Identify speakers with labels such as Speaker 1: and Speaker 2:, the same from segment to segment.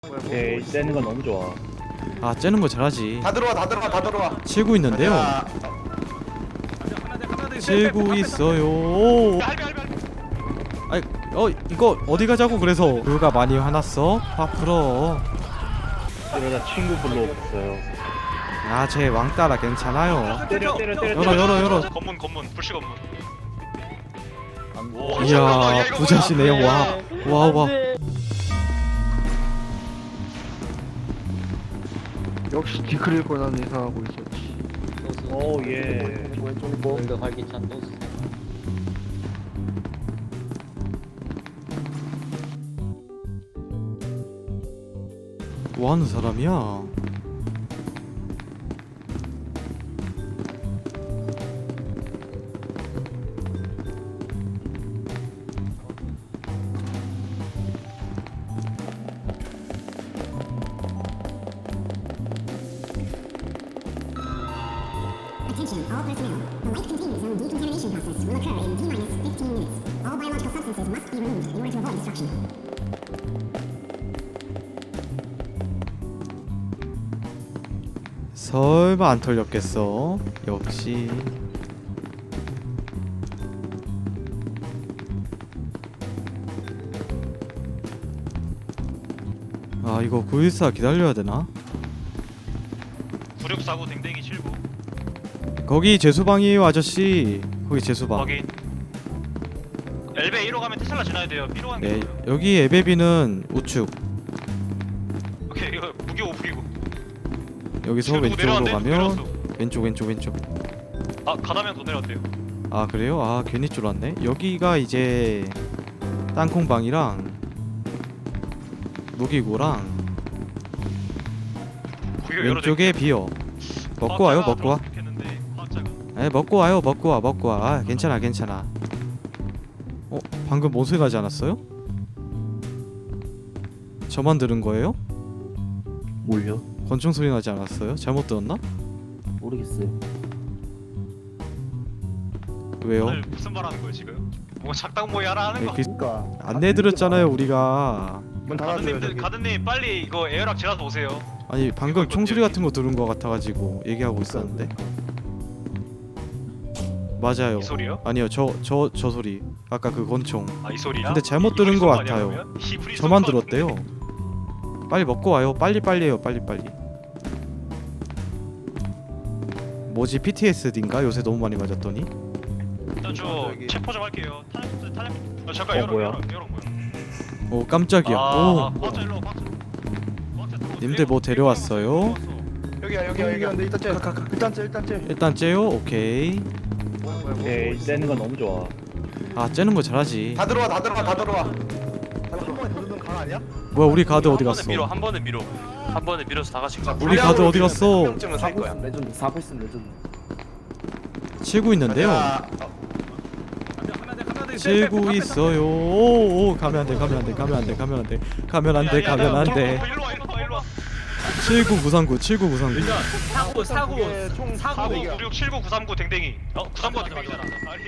Speaker 1: 오케이, 째는 건 너무 좋아.
Speaker 2: 아 째는 거 잘하지.
Speaker 3: 다 들어와.
Speaker 2: 치고 있는데요.
Speaker 3: 자,
Speaker 2: 치고 있어요. 아이 이거 어디 가자고. 그래서 누가 많이 화났어? 화 풀어.
Speaker 1: 이러다 친구 불러 없어요.
Speaker 2: 아 제 왕따라 괜찮아요.
Speaker 1: 때려.
Speaker 2: 열어.
Speaker 4: 검문 불씨 검문.
Speaker 1: 오,
Speaker 2: 이야 부자시네요. 와.
Speaker 5: 역시 디크릴 권한 예상하고 있었지.
Speaker 1: 오 예.
Speaker 6: 오늘도 활기찬 노스.
Speaker 2: 뭐 하는 사람이야?
Speaker 7: Attention, all personnel. The light containment zone decontamination process will occur in T-15 minutes. All biological substances must be removed in order to avoid destruction.
Speaker 2: 설마 안 털렸겠어? 역시. 아 이거 914 기다려야 되나?
Speaker 4: 9649 댕댕이 79.
Speaker 2: 거기 제수방이에요 아저씨. 거기 제수방.
Speaker 4: 확인. 엘베 1호 가면 테슬라 지나야 돼요. B로 가는 게
Speaker 2: 네
Speaker 4: 좋아요.
Speaker 2: 여기 에베비는 우측.
Speaker 4: 오케이 이거 무기고.
Speaker 2: 여기서
Speaker 4: 지금 누구
Speaker 2: 왼쪽으로
Speaker 4: 내려왔네?
Speaker 2: 가면
Speaker 4: 내려왔어.
Speaker 2: 왼쪽.
Speaker 4: 아 가다면 더 내려왔대요.
Speaker 2: 아 그래요? 아 괜히 쫄았네. 여기가 이제 땅콩방이랑 무기고랑
Speaker 4: 무기가 여러
Speaker 2: 왼쪽에 비어. 먹고 와요 먹고 와. 에 먹고 와요 먹고 와. 아 괜찮아. 방금 뭔 소리 나지 않았어요? 저만 들은 거예요?
Speaker 1: 뭘요?
Speaker 2: 권총 소리 나지 않았어요? 잘못 들었나?
Speaker 1: 모르겠어요.
Speaker 2: 왜요?
Speaker 4: 오늘 무슨 말 하는 거예요 지금? 뭐 작당 모의 하나 하는 거?
Speaker 5: 그러니까
Speaker 2: 안내드렸잖아요 우리가.
Speaker 5: 문 닫아줘요 저기.
Speaker 4: 가든님 빨리 이거 에어락 지나서 오세요.
Speaker 2: 아니 방금 총소리 같은 거 들은 거 같아가지고 얘기하고 있었는데. 맞아요.
Speaker 4: 이 소리요?
Speaker 2: 아니요 저 소리. 아까 그 권총.
Speaker 4: 아 이 소리야?
Speaker 2: 근데 잘못 들은 거 같아요. 저만 들었대요. 빨리 먹고 와요. 빨리해요. 빨리. 뭐지 PTSD인가? 요새 너무 많이 맞았더니.
Speaker 4: 일단 저 체포 좀 할게요. 탈렘. 잠깐 열어.
Speaker 1: 뭐야?
Speaker 2: 오 깜짝이야. 오
Speaker 4: 박자 일로 박자.
Speaker 2: 님들 뭐 데려왔어요?
Speaker 3: 여기야.
Speaker 5: 근데 일단 째.
Speaker 2: 일단 째요. 오케이.
Speaker 1: 오케이, 째는 건 너무 좋아.
Speaker 2: 아 째는 거 잘하지.
Speaker 3: 다 들어와.
Speaker 5: 한 번에 누르는 강 아니야?
Speaker 2: 뭐야 우리 가드 어디 갔어?
Speaker 4: 한 번에 밀어서 다 같이 가.
Speaker 2: 우리 가드 어디 갔어?
Speaker 3: 명증은 살 거야.
Speaker 5: 레전드 4패스 레전드.
Speaker 2: 치고 있는데요.
Speaker 3: 자,
Speaker 2: 치고 있어요. 오 가면 안 돼.
Speaker 4: 일로 와.
Speaker 2: 79
Speaker 4: 사고.
Speaker 5: 총
Speaker 4: 96 79 939 댕댕이. 939 댕댕이잖아.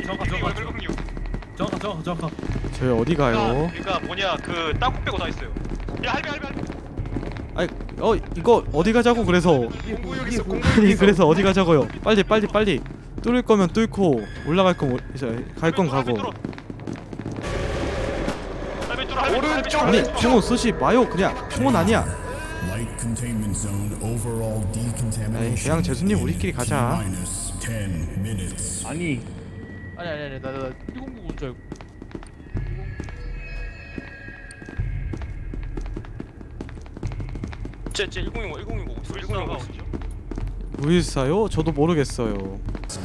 Speaker 6: 정확.
Speaker 2: 저희 어디 가요?
Speaker 4: 그러니까 뭐냐 그 땅콩 빼고 다 있어요. 야 할배.
Speaker 2: 아이 이거 어디 가자고. 그래서 아니 그래서 어디 가자고요. 빨리 뚫을 거면 뚫고 올라갈 건 갈 건 가고.
Speaker 3: 오른쪽.
Speaker 2: 아니 총은 쏘지 마요. 그냥 총은 아니야.
Speaker 8: Light containment zone overall decontamination.
Speaker 2: 에이, 그냥 재수님 우리끼리 가자.
Speaker 8: Minus 10 minutes.
Speaker 1: 아니,
Speaker 6: 아니 나 109 온 줄 알고.
Speaker 4: 쟤 1020
Speaker 2: 914요? 저도 모르겠어요.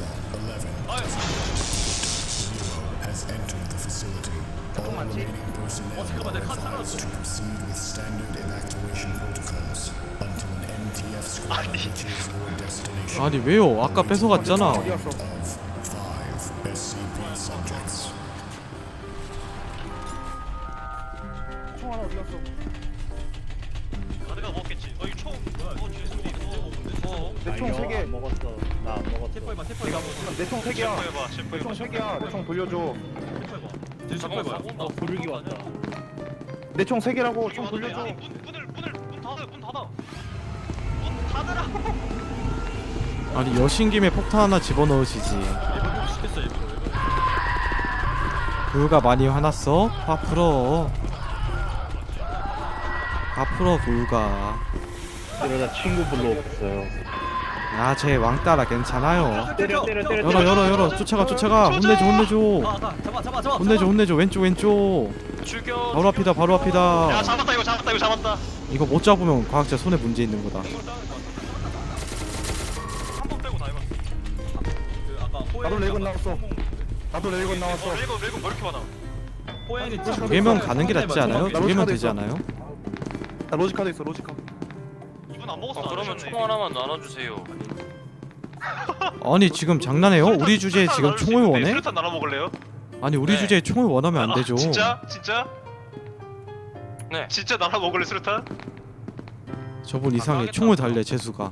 Speaker 8: Has entered the facility. All remaining personnel are advised to proceed with standard evacuation protocols until an MTF squad reaches your destination.
Speaker 2: 아니 왜요? 아까 뺏어갔잖아.
Speaker 8: Of 5 SCP subjects.
Speaker 5: 총 하나 어디 갔어?
Speaker 4: 가드가 먹었겠지. 이 총.
Speaker 5: 내 총 3개.
Speaker 1: 안 먹었어. 나 안 먹었어.
Speaker 5: 내 총 3개야.
Speaker 4: 체포해봐.
Speaker 5: 내 총 3개야. 내 총 돌려줘.
Speaker 4: 잠깐만.
Speaker 1: 부르기 왔다.
Speaker 5: 내 총 3개라고 총 돌려줘.
Speaker 4: 문을 문 닫아. 문 닫으라고.
Speaker 2: 아니 여신 김에 폭탄 하나 집어넣으시지. 구유가 많이 화났어? 화 풀어. 화 풀어 구유가.
Speaker 1: 이러다 친구 불러 없어요.
Speaker 2: 아 쟤 왕따라 괜찮아요.
Speaker 1: 때려.
Speaker 2: 열어 쫓아가 혼내줘 왼쪽
Speaker 4: 죽여.
Speaker 2: 바로 앞이다.
Speaker 4: 야 잡았다 이거 잡았다.
Speaker 2: 이거 못 잡으면 과학자 손에 문제 있는 거다.
Speaker 4: 한 번 빼고 다 해봤어.
Speaker 5: 나도 레이건 나왔어. 나도 레이건 나왔어.
Speaker 4: 레이건 왜 이렇게 많아?
Speaker 2: 두 개면 가는 게 낫지 않아요? 두 개면 되지 않아요?
Speaker 5: 나 로지카도 있어. 로지카.
Speaker 4: 이분 안 먹었어.
Speaker 9: 그러면 총 하나만 나눠주세요.
Speaker 2: 아니 지금 장난해요? 우리 주제에 지금 총을 원해?
Speaker 4: 수류탄 나눠 먹을래요?
Speaker 2: 아니 우리
Speaker 9: 네.
Speaker 2: 주제에 총을 원하면 안 되죠.
Speaker 4: 진짜?
Speaker 9: 네.
Speaker 4: 진짜 나눠 먹을래 수류탄?
Speaker 2: 저분 이상해. 총을 달래 재수가.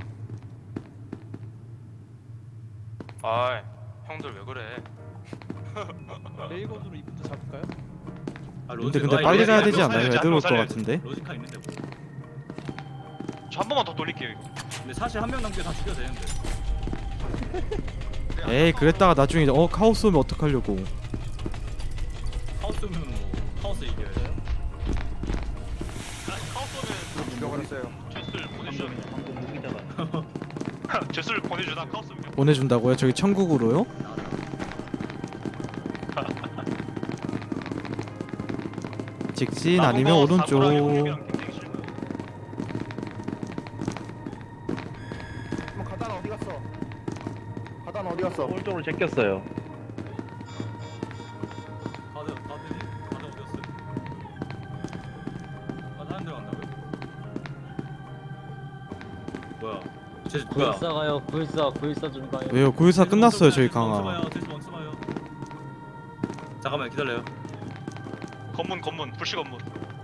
Speaker 9: 아이, 형들 왜 그래?
Speaker 6: 레이건으로 이분도 잡을까요?
Speaker 2: 근데 빨리 가야 되지 않나요? 애들 올 것 같은데.
Speaker 6: 로지카 있는데 뭐.
Speaker 4: 저 한 번만 더 돌릴게요 이거.
Speaker 6: 근데 사실 한 명 남겨 다 죽여도 되는데.
Speaker 2: 에이 그랬다가 나중에 카오스 오면 어떡하려고.
Speaker 6: 카오스면 뭐 카오스 이겨요.
Speaker 4: 카오스는
Speaker 5: 죽여버렸어요.
Speaker 4: 제스를 보내주자.
Speaker 1: 방금 무기다가.
Speaker 4: 제스를 보내주자 카오스.
Speaker 2: 보내준다고요? 저기 천국으로요? 직진 아니면 오른쪽.
Speaker 5: 그럼 가다는 어디 갔어? 가다는 어디 갔어?
Speaker 1: 오른쪽으로 제꼈어요.
Speaker 6: 다들 어디였어요? 다른 데 간다고요? 뭐야? 제 뭐야?
Speaker 10: 구일사 가요. 구일사 좀 가요.
Speaker 2: 왜요? 고유사 끝났어요 저희 강화.
Speaker 6: 멈춰봐요. 잠깐만 기다려요.
Speaker 4: 건문 불씨 건문.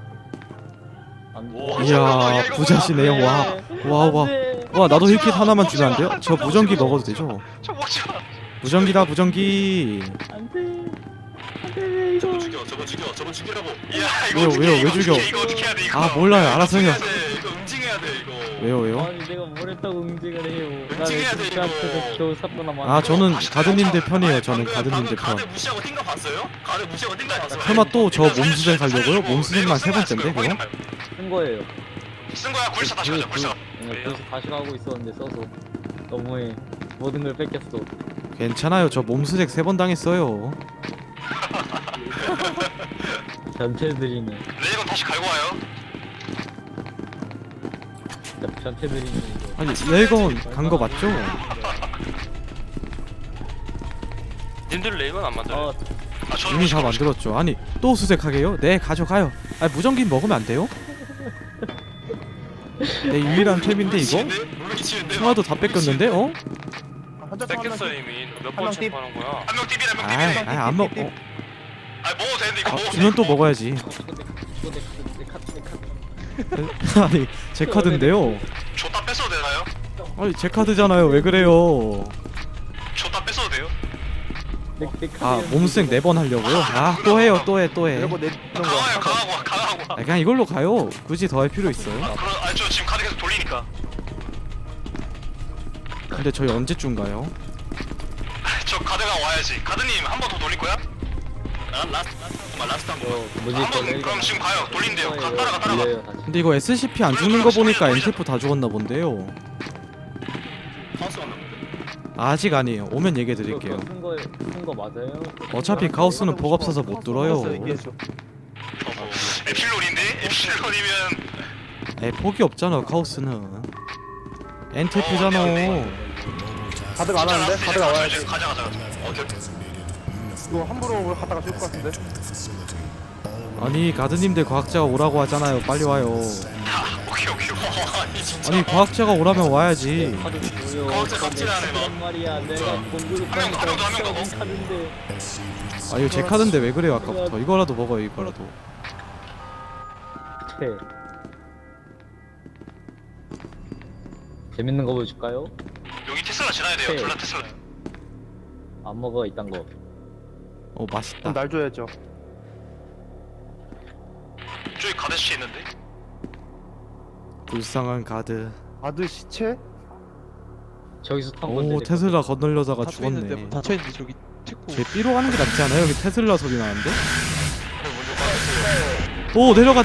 Speaker 10: 안 돼.
Speaker 4: 오,
Speaker 2: 이야
Speaker 4: 잠깐만, 이거
Speaker 2: 부자시네요.
Speaker 10: 안 돼.
Speaker 2: 와 나도 힐킷 하나만 주면 안 돼요? 저 무전기 먹어도 되죠?
Speaker 4: 저 먹지마.
Speaker 2: 무전기다 무전기.
Speaker 10: 안 돼. 안 돼. 이거.
Speaker 9: 저거 죽이라고.
Speaker 4: 야 이거
Speaker 2: 왜요,
Speaker 4: 어떻게
Speaker 2: 왜요?
Speaker 4: 해,
Speaker 2: 왜
Speaker 4: 이거
Speaker 2: 죽여?
Speaker 4: 어떻게 해, 이거 어떻게 해야 돼 이거.
Speaker 2: 아 몰라요. 알아서 해요.
Speaker 9: 이거 응징해야 돼 이거.
Speaker 2: 왜요?
Speaker 10: 아니 내가 뭘 했다고 응징을 해요.
Speaker 9: 응징해야 돼,
Speaker 10: 진짜
Speaker 9: 이거.
Speaker 10: 앞에서 겨우 샀구나 만.
Speaker 2: 아 저는 가드님들 편이에요. 저는 가드님들 편.
Speaker 9: 가드 무시하고 뛴거 봤어요? 가드 무시하고 뛴거 봤어요?
Speaker 2: 설마 또 저 몸수생 가려고요? 몸수생만 세 번째인데 그거?
Speaker 10: 쓴 거예요.
Speaker 4: 쓴 거야 굴사 다시 가자 굴사.
Speaker 10: 그래서 다시 가고 있었는데 써서 너무해. 모든 걸 뺏겼어.
Speaker 2: 괜찮아요. 저 몸수색 3번 당했어요.
Speaker 10: 변태들이네.
Speaker 4: 레이건 다시 갈고 와요.
Speaker 10: 진짜 변태들이네 이거.
Speaker 2: 아니 레이건 간 거 맞죠?
Speaker 9: 님들 레이건 안 만들어요?
Speaker 4: 저는
Speaker 2: 이미 다 만들었죠. 아니 또 수색하게요? 네 가져가요. 아니 무전기 먹으면 안 돼요? 내 유일한 템인데 이거? 청아도 다 뺏겼는데? 어?
Speaker 5: 한자
Speaker 9: 뺏겼어 이미. 몇 번 체크하는 거야?
Speaker 4: 한명 띠비래 한명 띠비래.
Speaker 2: 아이 안 먹.
Speaker 4: 아 먹어도 되는데 이거 먹어도
Speaker 2: 주면 또 먹어야지.
Speaker 10: 이거 내 카드.
Speaker 2: 아니 제 카드인데요.
Speaker 4: 줬다 뺏어도 되나요?
Speaker 2: 아니 제 카드잖아요. 왜 그래요?
Speaker 4: 줬다 뺏어도 돼요?
Speaker 10: 내 카드.
Speaker 2: 아 몸수색 4번 하려고요? 아 또 해요 또 해 또 해.
Speaker 5: 이러고 내
Speaker 4: 강하고
Speaker 2: 아, 그냥 이걸로 가요. 굳이 더 할 필요 있어요?
Speaker 4: 그럼 저 지금 카드 계속 돌리니까.
Speaker 2: 근데 저희 언제쯤 가요?
Speaker 4: 저 가드가 와야지. 가드님 한 번 더 돌릴 거야? 라스트 한 번.
Speaker 10: 뭐지?
Speaker 4: 한번 그럼 지금 가요. 돌린대요. 따라가.
Speaker 10: 돌려요 다시.
Speaker 2: 근데 이거 SCP 안 죽는 거 보니까 NTF 다 죽었나 본데요.
Speaker 4: 카우스 왔나?
Speaker 2: 아직 아니에요. 오면 얘기해 드릴게요.
Speaker 10: 쓴거 맞아요?
Speaker 2: 어차피 가우스는 복 없어서 못 들어요.
Speaker 4: 에필론인데? 에필론이면
Speaker 2: 에 폭이 없잖아 가우스는. NTF잖아.
Speaker 5: 가드가 안 하는데? 가드가 와야지.
Speaker 4: 가자.
Speaker 5: 이거 함부로 갔다가 죽을 것 같은데?
Speaker 2: 아니 가드님들 과학자가 오라고 하잖아요. 빨리 와요.
Speaker 4: 오케이. 아니 진짜.
Speaker 2: 아니 과학자가 오라면 와야지.
Speaker 10: 카드 보여.
Speaker 4: 과학자 갑질하네, 너.
Speaker 10: 말이야. 내가 공부를
Speaker 4: 한 명, 한 명 더, 한 명 더.
Speaker 10: 카드인데.
Speaker 2: 아 이거 제 카드인데 왜 그래요 아까부터. 이거라도 먹어요 이거라도.
Speaker 10: 네. 재밌는 거 보여줄까요?
Speaker 4: 여기 테슬라 지나야 돼요.
Speaker 10: 네.
Speaker 4: 둘 다 테슬라.
Speaker 10: 안 먹어 이딴 거.
Speaker 2: 맛있다.
Speaker 5: 그럼 날 줘야죠.
Speaker 4: 저기 가드씨 있는데?
Speaker 2: 불쌍한 가드.
Speaker 5: 아들 시체?
Speaker 10: 저기서 탄 건데.
Speaker 2: 오 테슬라 건널려다가 죽었네.
Speaker 1: 닫혀있는데 저기
Speaker 2: 걔 삐로 가는 게 낫지 않아요? 여기 테슬라 소리 나는데? 오 내려가.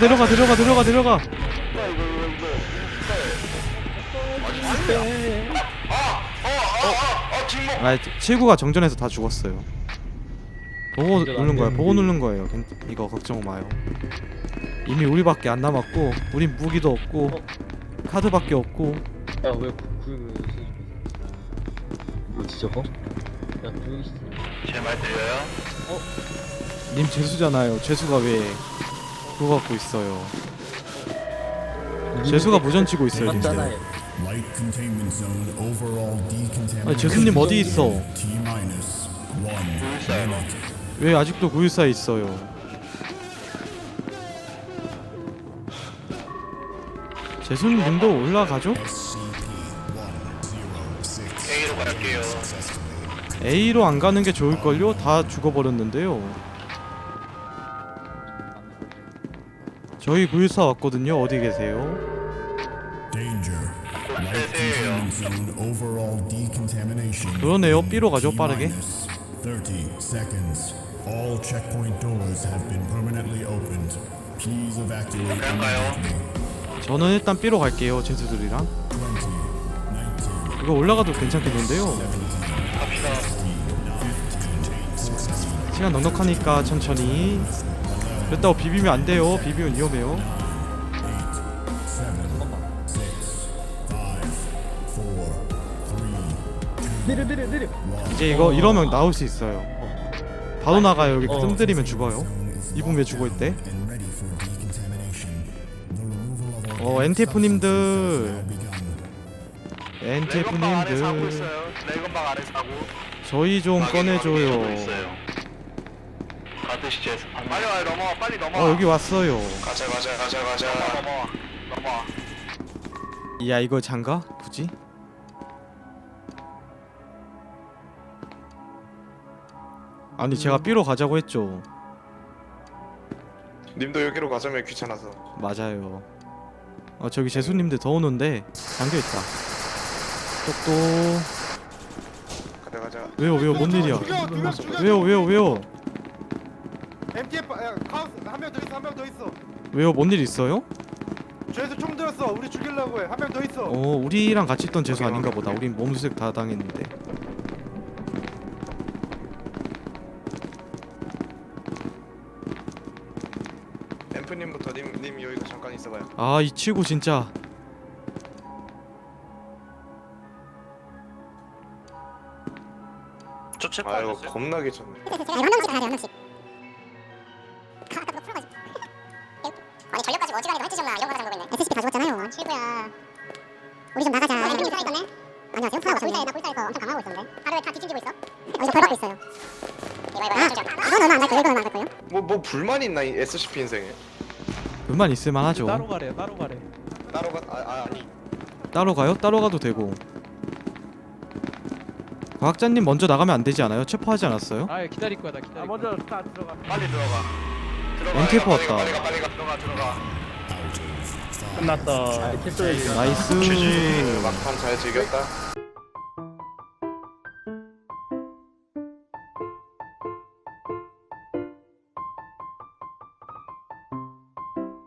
Speaker 2: 아 칠구가 정전해서 다 죽었어요. 보고 누른 거예요. 이거 걱정 마요. 이미 우리밖에 안 남았고, 우린 무기도 없고, 카드밖에 없고.
Speaker 10: 야왜 구역을 뭐지 저거? 야 구역이
Speaker 3: 제 말 들려요?
Speaker 2: 님 재수잖아요. 재수가 왜 그거 갖고 있어요? 재수가 무전치고 있어요, 님들.
Speaker 10: 맞잖아요.
Speaker 8: Light containment zone overall decontamination.
Speaker 2: 아니 재수님 어디 있어?
Speaker 8: T-1 minute.
Speaker 2: 왜 아직도 914에 있어요? 재수님도 올라가죠?
Speaker 3: A로 갈게요.
Speaker 2: A로 안 가는 게 좋을걸요? 다 죽어버렸는데요. 저희 914 왔거든요. 어디 계세요?
Speaker 8: Danger. Light containment zone overall decontamination.
Speaker 2: 그러네요. B로 가죠, 빠르게.
Speaker 8: 30 seconds. All checkpoint doors have been permanently opened. Please evacuate immediately.
Speaker 2: 저는 일단 B로 갈게요. 재수들이랑.
Speaker 8: 20, 19,
Speaker 2: 이거 올라가도 괜찮겠는데요? 시간 넉넉하니까 천천히. 그랬다고 비비면 안 돼요. 비비면 위험해요.
Speaker 8: 7, 6, 5, 4, 3,
Speaker 10: 내려.
Speaker 2: 이제 이거 이러면 나올 수 있어요. 바로 나가요. 여기 뜸들이면 죽어요. 이분 죽어 있대.
Speaker 8: and ready for decontamination. The removal of
Speaker 2: NTF님들,
Speaker 3: 레이건방 안에 사고
Speaker 2: NTF님들,
Speaker 3: 있어요. 레이건방 안에 사고.
Speaker 2: 저희 좀 꺼내줘요.
Speaker 3: 가드 시체에서. 빨리 와요. 넘어와. 빨리 넘어와.
Speaker 2: 여기 왔어요.
Speaker 3: 가자. 넘어와.
Speaker 2: 야 이거 장가? 굳이? 아니 제가 B로 가자고 했죠.
Speaker 3: 님도 여기로 가자면 귀찮아서.
Speaker 2: 맞아요. 저기 재수님들 더 오는데 잠겨있다. 똑똑.
Speaker 3: 가자.
Speaker 2: 왜요 뭔 일이야?
Speaker 5: 두명 죽여.
Speaker 2: 왜요?
Speaker 5: MTF 카우스 한 명 더 있어.
Speaker 2: 왜요 뭔 일 있어요?
Speaker 5: 죄수 총 들었어. 우리 죽이려고 해. 한 명 더 있어.
Speaker 2: 우리랑 같이 있던 재수 아닌가 보다. 우린 몸수색 다 당했는데.
Speaker 3: 앰프님부터 님 여기서 잠깐 있어봐요.
Speaker 2: 아 이 친구 진짜.
Speaker 4: 저 체포
Speaker 3: 아
Speaker 4: 안
Speaker 3: 이거
Speaker 4: 됐어요?
Speaker 3: 겁나게 쳤네.
Speaker 7: 한 명씩 가야 돼, 한 명씩. 아까 그거 풀어가지고. 아니 전력까지 어지간히도 할짓이었나 이런 거 하자는 거고 있네. SCP 다 죽었잖아요. 친구야. 우리 좀 나가자. 아니 있네. 안녕하세요. 풀어가셨네. 나 골사에서 엄청 강하고 있었는데. 하루에 다 뒤집고 있어. 여기서 벌 받고 있어요. 이건 얼마 안 갈 거예요. 이건 얼마 안 갈 거예요.
Speaker 3: 뭐 불만 있나 이 SCP 인생에?
Speaker 2: 그만 있을만 하죠.
Speaker 1: 따로 가래.
Speaker 3: 따로 가 아니.
Speaker 2: 따로 가요? 따로 가도 되고. 과학자님 먼저 나가면 안 되지 않아요? 체포하지 않았어요?
Speaker 1: 아 기다릴 거야 나 기다릴 거야. 먼저 다 들어가.
Speaker 3: 빨리 들어가.
Speaker 2: NTF 왔다.
Speaker 3: 빨리 가. 들어가.
Speaker 1: 끝났다.
Speaker 10: 캡처해.
Speaker 2: 나이스.
Speaker 3: 막판 잘 즐겼다.